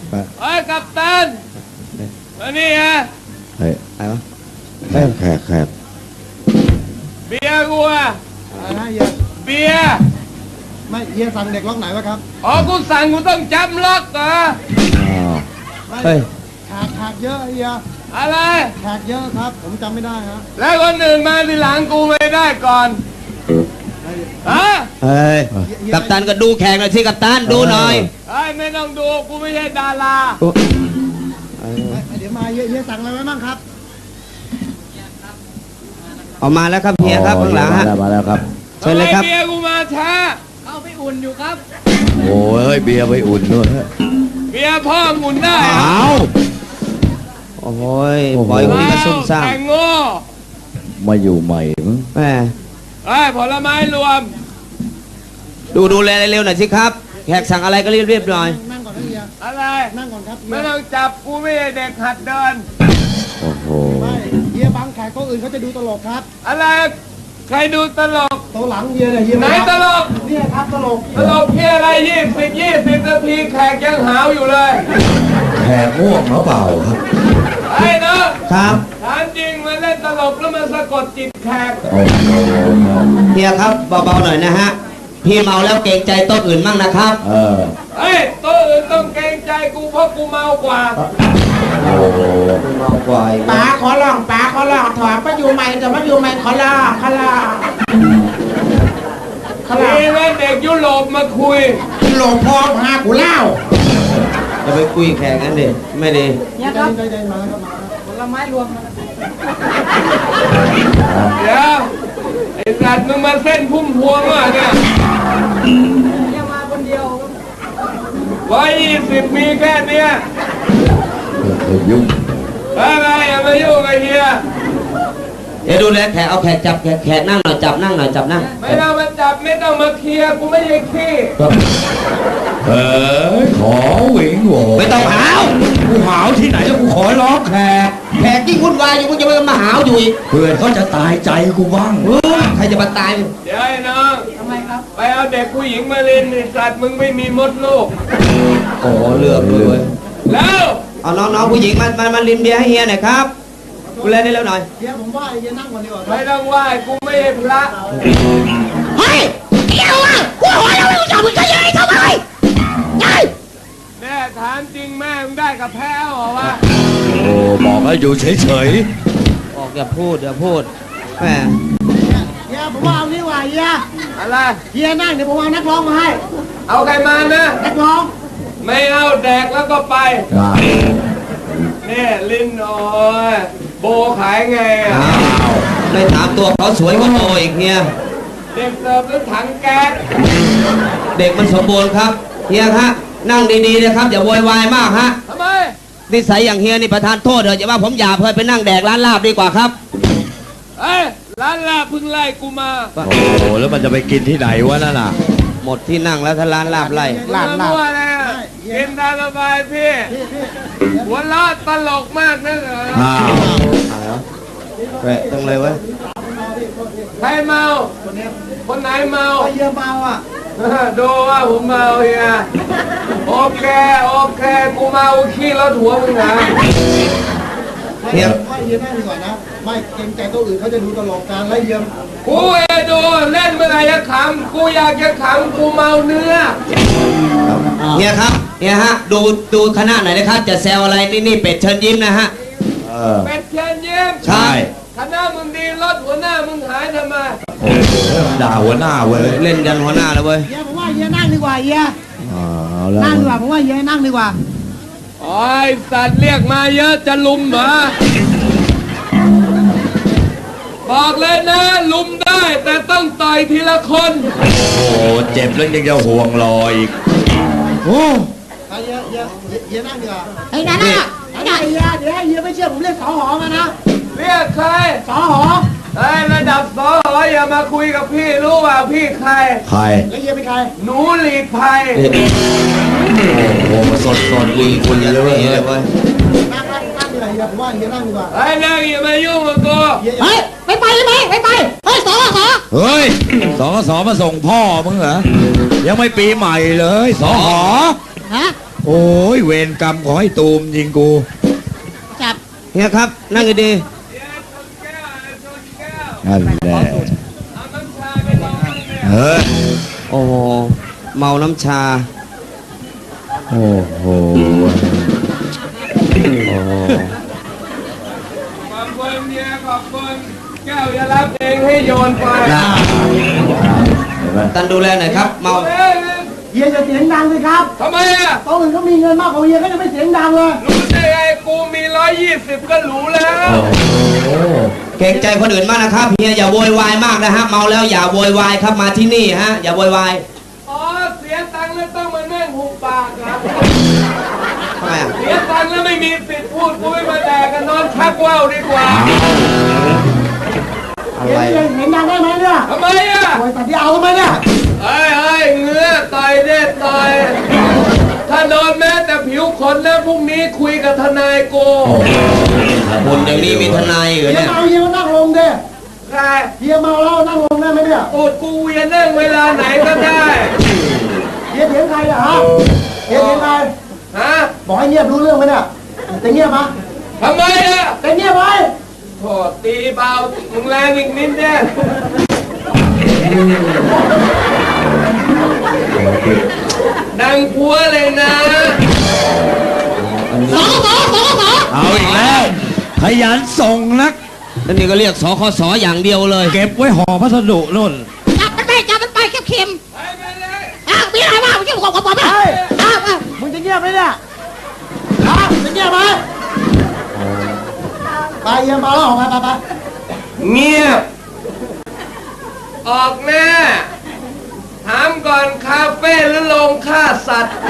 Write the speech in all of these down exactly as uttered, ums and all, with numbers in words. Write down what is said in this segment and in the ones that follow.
เฮ้ยกัปตันมานี่ฮะเฮ้ยอะไรวะแขกแขกแขกเบียร์กูอะอะไรนะเฮียเบียร์ไม่เฮียสั่งเด็กล็อกไหนวะครับอ๋อกูสั่งกูต้องจำล็อกเหรอเฮ้ยแขกแขกเยอะเฮียอะไรแขกเยอะครับผมจำไม่ได้ฮะแล้วคนอื่นมาทีหลังกูไม่ได้ก่อนฮะเฮ้ยกัปตันก็ดูแขกหน่อยสิกัปตันดูหน่อยเฮ้ยไม่ต้องดูกูไม่ใช่ดาราเดี๋ยวมาเฮียสั่งอะไรไว้บ้างครับออกมาแล้วครับเฮียครับข้างหลังฮะมาแล้วครับเชิญเลยครับเบียร์กูมาช้าเอาไปอุ่นอยู่ครับโอ้ยเบียร์ไปอุ่นด้วยเบียร์พ่ออุ่นได้เอาโอ้ยปล่อยคนก็ซุ่มซ่ามแต่งโง่มาอยู่ใหม่มั้งแม่ไอ้ผลไม้รวมดูดูแลเร็วหน่อยสิครับแขกสั่งอะไรก็รีบเรียบหน่อยนั่งก่อนนะเฮียอะไรนั่งก่อนครับไม่ต้องจับกูไม่ใช่เด็กหัดเดินโอ้โหไม่เฮียบางแขกก็อื่นเขาจะดูตลกครับอะไรใครดูตลกตัวหลังเฮียเนี่ยเฮียไหนตลกเนี่ยครับตลกตลกเฮียอะไรยี่สิบยี่สิบนาทีแขกยังหาวอยู่เลยแขกง่วงหรือเปล่าครับไอ้เนาะครับถามจริงมาเล่นตลกแล้วมาสะกดจิตแขกเฮียครับเบาๆหน่อยนะฮะพี่เมาแล้วเกรงใจโต๊ะอื่นมั่งนะครับเออเฮ้ยโต๊ะอื่นต้องเกรงใจกูเพราะกูเมากว่าโอ้เมากว่าป๋าขอร้องป๋าขอร้องถอดมาอยู่ใหม่แต่มาอยู่ใหม่ขอร้องขอร้องขอร้องนี่แม่เด็กยุโรปมาคุยหลงพ่อพากูเล่าจะไปคุยแข่งกันดิไม่ดีเนี่ยครับได้ได้มาแล้วครับผลไม้รวมเดี๋ยวไอ้สัตว์มึงมาเส้นพุ่มพวงอ่ะเนี่ยยังมาคนเดียวร้อยยี่สิบมีแค่เนี้ยยุ่งอะไรอย่ามายุ่งไอ้เฮียเดี๋ยวดูแลแขกเอาแขกจับแขกแขกนั่งหน่อยจับนั่งหน่อยจับนั่งไม่ต้องมาจับไม่ต้องมาเคลียร์กูไม่ใช่ขี้เฮ้ยขอหวิงโหไม่ต้องหาวกูหาวที่ไหนแล้วกูขอร้องแขกแขกยิ่งวุ่นวายอยู่มึงจะมาหาวอยู่อีกเพื่อนเขาจะตายใจกูบ้างใครจะมาตายเดี๋ยวไอ้น้องทำไมครับไปเอาเด็กผู้หญิงมาเล่นไอ้สัตว์มึงไม่มีมดลูกโอ้เลือกเลยแล้วเอาน้องๆผู้หญิงมามามาลินเบียร์ให้เฮียหน่อยครับกูเล่นได้แล้วหน่อยเฮียผมว่าเฮียนั่งก่อนดีกว่าไม่ต้องไหว้กูไม่ใช่พระเฮ้ยเกี่ยวอ่ะกูหัวเราไม่รู้จักมึงจะยังไงทำไมไงแม่ถามจริงแม่มึงได้กับแพ้หรอวะโอ้บอกให้อยู่เฉยๆบอกอย่าพูดอย่าพูดแม่เฮียผมว่าเอานี่ว่าเฮียอะไรเฮียนั่งเดี๋ยวผมเอานักร้องมาให้เอาใครมานะนักร้องไม่เอาแดกแล้วก็ไปเนี่ยลิ้นโอ้ยโบขายไงอ่ะไม่ถามตัวเขาสวยกว่าโบอีกเนี่ยเด็กเสิร์ฟหรือถังแก๊สเด็กมันสมบูรณ์ครับเฮียฮะนั่งดีๆนะครับอย่าโวยวายมากฮะทำไมนิสัยอย่างเฮียนี่ประทานโทษเถอะอย่าว่าผมหยาบเพื่อไปนั่งแดกร้านลาบดีกว่าครับเอ้ยร้านลาบเพิ่งไล่กูมาโอ้โหแล้วมันจะไปกินที่ไหนวะนั่นน่ะหมดที่นั่งแล้วถ้าร้านลาบไล่ร้านลาบกินตามสบายพี่หัวเราะตลกมากนะเหรออ้าวแปะตรงเลยเว้ยใครเมาคนไหนเมาเฮียเมาอ่ะดูว่าผมเมาเฮียโอเคโอเคกูเมาขี้รถหัวมึงนะเฮียว่าเฮียนั่งดีกว่านะไม่เกรงใจตัวอื่นเขาจะดูตลกการไล่เฮียกูเอดูเล่นเมื่อไหร่จะขำกูอยากจะขำกูเมาเนื้อเฮียครับเฮียฮะดูดูคณะไหนนะครับจะแซวอะไรนี่นี่เป็ดเชิญยิ้มนะฮะเป็ดเชิญยิ้มใช่คณะมึงดีรถหัวหน้ามึงหายทำไมโอ้ด่าหัวหน้าเว้ยเล่นกันหัวหน้าแล้วเว้ยเฮียผมว่าเฮียนั่งดีกว่าเฮียนั่งดีกว่าผมว่าเฮียนั่งดีกว่าโอ้ยสัตว์เรียกมาเยอะจะลุมเหรอบอกเลยนะลุมได้แต่ต้องต่อยทีละคนโอ้เจ็บแล้วยังจะห่วงรออีกโอ้เฮียเฮียเฮียนั่งดีกว่าไอ้นั่นน่ะไอ้เฮียเดี๋ยวให้เฮียไม่เชื่อผมเรียกสอหอมานะเรียกใครสอหอไอ้ระดับสอหออย่ามาคุยกับพี่รู้ว่าพี่ใครใครแล้วเฮียเป็นใครหนูหลีกภัยโอ้โหสดสดดีคุณเลยเว้ยนั่งนั่งนั่งดีกว่าเฮียผมว่าเฮียนั่งดีกว่าไอ้นั่งอย่ามายุ่งกับกูเฮ้ยไปไปไหมไปไปเฮ้ยสอสอเฮ้ยสอสอมาส่งพ่อมึงเหรอยังไม่ปีใหม่เลยสอหอฮะโอ้ยเวรกรรมขอให้ตูมยิงกูจับเฮียครับ นั่งดีนั่นแหละเอาน้ำชาไปลองบ้างเนี่ยเฮ้ยๆโอ้โหเมาน้ำชาโอ้โหโอ้โหขอบคุณเนี่ยขอบคุณแก้วจะรับเองให้โยนไปนะท่านดูแลหน่อยครับ เมาเอ้ยเฮียจะเสียงดังสิครับทำไมอ่ะโต๊ะอื่นเขามีเงินมากกว่าเฮียก็จะไม่เสียงดังเลยรู้ได้ไงกูมีร้อยยี่สิบก็รู้แล้วเกรงใจคนอื่นมากนะครับเฮียอย่าโวยวายมากนะฮะเมาแล้วอย่าโวยวายครับมาที่นี่ฮะ อย่าโวยวายอ๋อเสียตังค์แล้วต้องมานั่งหุบปากครับทำไมอ่ะเสียตังค์แล้วไม่มีสิทธิ์พูดกูไม่มาแดกกันนอนชักว่าวดีกว่าอะเฮียไรเฮียเสียงดังได้ไหมเนี่ยทำไมอ่ะโวยตัดที่เอาทำไมเนี่ยเฮ้ยเฮ้ยเงื้อต่อยเด็ดต่อย ถ้านอนแม้แต่ผิวขนแล้วพรุ่งนี้คุยกับทนายโกบุญอย่างนี้มีทนายเหรอเฮียเนี่ยเมาเฮียก็นั่งลงเด้ใครเฮียเมาแล้วนั่งลงได้ไหมเนี่ยตูดกูเวียนนั่งเวลาไหนก็ได้เฮียเถียงใครเนี่ยฮะเฮียเถียงใครฮะบอกให้เงียบรู้เรื่องไหมเนี่ยจะเงียบไหมทำไมอ่ะจะเงียบไหมโทษตีเบามึงแรงอีกนิดเนี่ยดังพัวเลยนะสอสอสอสอเอาอีกแล้ว ขยันส่งนักแล้วนี่ก็เรียกสคสอย่างเดียวเลยเก็บไว้ห่อพัสดุนู่นจับมันไปจับมันไปเข็มเข็มไปไปเลยอ้าวมีอะไรบ้างไม่ใช่ของของผมอ่ะอ้าวอ้าวมึงจะเงียบไหมเนี่ยฮะจะเงียบไหมไปเฮียเมาแล้วออกมาไปไปเงียบ ออกแน่ถามก่อนคาเฟ่หรือโรงฆ่าสัตว์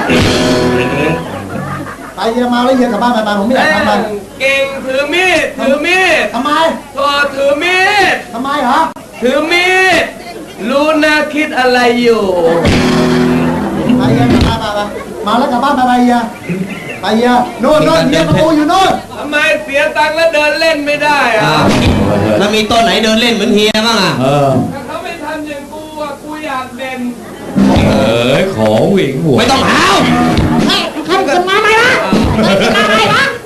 ไปเฮียเมาแล้วเฮียกลับบ้านไปไปผมไม่อยากทำมันเก่งถือมีดถือมีดทำไมตัวถือมีดทำไมเหรอถือมีดรู้นะคิดอะไรอยู่ไปเฮียกลับบ้านไปไปมาแล้วกลับบ้านไปไปเฮียไปเฮียโน่นโน่นเฮียประตูอยู่โน่นทำไมเสียตังค์แล้วเดินเล่นไม่ได้อะอ่าแล้วมีต้นไหนเดินเล่นเหมือนเฮียบ้างอ่ะเออถ้าเขาไม่ทำอย่างกูอะกูอยากเด่นเออ ขอหวิงหัวไม่ต้องหาวเฮ้ยใครขึ้นมาไหมวะใครขึ้นมาไหมวะ